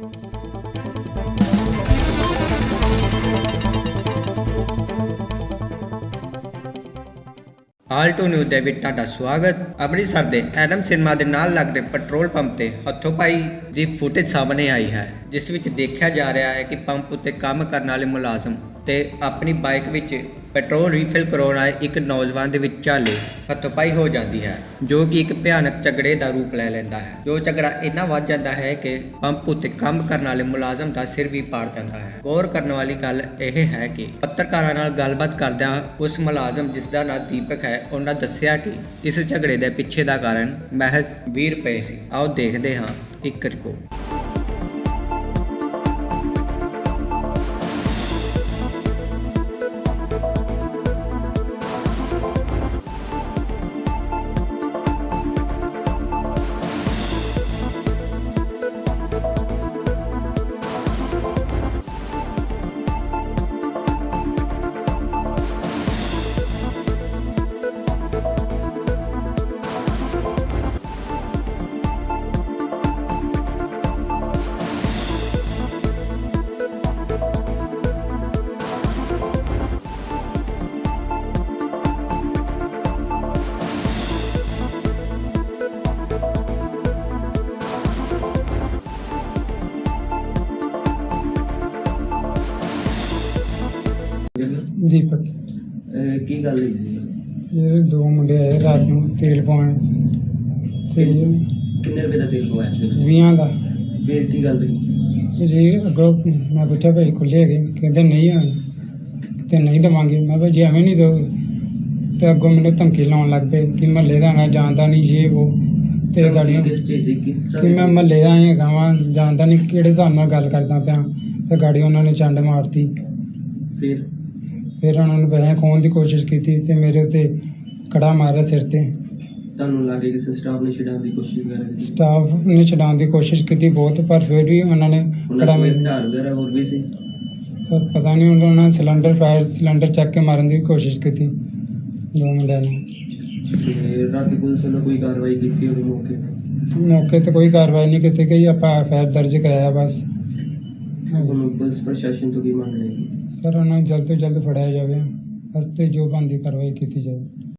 Alto news ਦੇ ਵਿੱਚ ਤੁਹਾਡਾ ਸਵਾਗਤ। ਅੰਮ੍ਰਿਤਸਰ ਦੇ ਐਡਮ ਸਿਨੇਮਾ ਦੇ ਨਾਲ ਲੱਗਦੇ ਪੈਟਰੋਲ ਪੰਪ ਤੇ ਹੱਥੋਂ ਪਾਈ ਦੀ ਫੁਟੇਜ ਸਾਹਮਣੇ ਆਈ ਹੈ, ਜਿਸ ਵਿੱਚ ਦੇਖਿਆ ਜਾ ਰਿਹਾ ਹੈ ਕਿ ਪੰਪ ਉੱਤੇ ਕੰਮ ਕਰਨ ਵਾਲੇ ਮੁਲਾਜ਼ਮ ਤੇ ਆਪਣੀ ਬਾਈਕ ਵਿੱਚ ਪੈਟਰੋਲ ਰੀਫਿਲ ਕਰਾਉਣ ਆਏ ਇੱਕ ਨੌਜਵਾਨ ਦੇ ਵਿਚਾਲੇ ਹੱਥੋਂ-ਪਾਈ ਹੋ ਜਾਂਦੀ ਹੈ, ਜੋ ਕਿ ਇੱਕ ਭਿਆਨਕ ਝਗੜੇ ਦਾ ਰੂਪ ਲੈ ਲੈਂਦਾ ਹੈ। ਜੋ ਝਗੜਾ ਇੰਨਾ ਵੱਧ ਜਾਂਦਾ ਹੈ ਕਿ ਪੰਪ ਉੱਤੇ ਕੰਮ ਕਰਨ ਵਾਲੇ ਮੁਲਾਜ਼ਮ ਦਾ ਸਿਰ ਵੀ ਪਾੜ ਜਾਂਦਾ ਹੈ। ਗੌਰ ਕਰਨ ਵਾਲੀ ਗੱਲ ਇਹ ਹੈ ਕਿ ਪੱਤਰਕਾਰਾਂ ਨਾਲ ਗੱਲਬਾਤ ਕਰਦਿਆਂ ਉਸ ਮੁਲਾਜ਼ਮ, ਜਿਸ ਦਾ ਨਾਮ ਦੀਪਕ ਹੈ, ਉਹਨਾਂ ਦੱਸਿਆ ਕਿ ਇਸ ਝਗੜੇ ਦੇ ਪਿੱਛੇ ਦਾ ਕਾਰਨ ਮਹਿਜ਼ 20 ਰੁਪਏ ਸੀ। ਆਓ ਦੇਖਦੇ ਹਾਂ ਇੱਕ ਰਿਪੋਰਟ। दीपक की गल हुई सी? ये दो मुंडे आए रात को तेल पाने किन्ने रुपए का तेल पवाया सी? 20 का। फिर की गल हुई? जी अगो मैं पूछा भाई खुले है कहते नहीं आने तो नहीं देवांगे। मैं भाई जी एवं नहीं दोगे तो अगो मैंने धमकी लाने लग पे कि महल्ले का है जानता नहीं ये वो तो गाड़ियाँ कि मैं महल्ले का ही गाँव जानता नहीं कि हिसाब नाल गल करदा पिया तो गाड़ी उन्होंने चंड मारती। फिर उन्होंने पैसे खोहन की कोशिश की ते मेरे उत्ते कड़ा मारा सिर ते। ਤੁਹਾਨੂੰ ਲੱਗੇ ਕਿ ਸਟਾਫ ਨੇ ਛਡਾਉਣ ਦੀ ਕੋਸ਼ਿਸ਼ ਵਗੈਰਾ ਕੀਤੀ? स्टाफ ने छुड़ाने की कोशिश की बहुत, पर फिर भी उन्होंने कड़ा ਕੋਈ ਹਥਿਆਰ ਵਗੈਰਾ ਹੋਰ ਵੀ ਸੀ? सर पता नहीं उन्होंने सिलेंडर चक के मारने की कोशिश की थी जो मुंडे ने। ਤੇ ਰਾਤੀ ਪੁਲਿਸ ਵੱਲੋਂ ਕੋਈ ਕਾਰਵਾਈ ਕੀਤੀ ਉਹਦੇ ਮੌਕੇ ਤੇ? मौके तो कोई कार्रवाई नहीं की गई, आप एफ दर्ज कराया बस। ਹੁਣ ਪੁਲਿਸ ਪ੍ਰਸ਼ਾਸਨ ਤੋਂ ਕੀ ਮੰਗ ਰਹੇ? सर उन्होंने जल्द तो जल्द फड़ाया जाए, बस जो बनती कार्रवाई की जाए।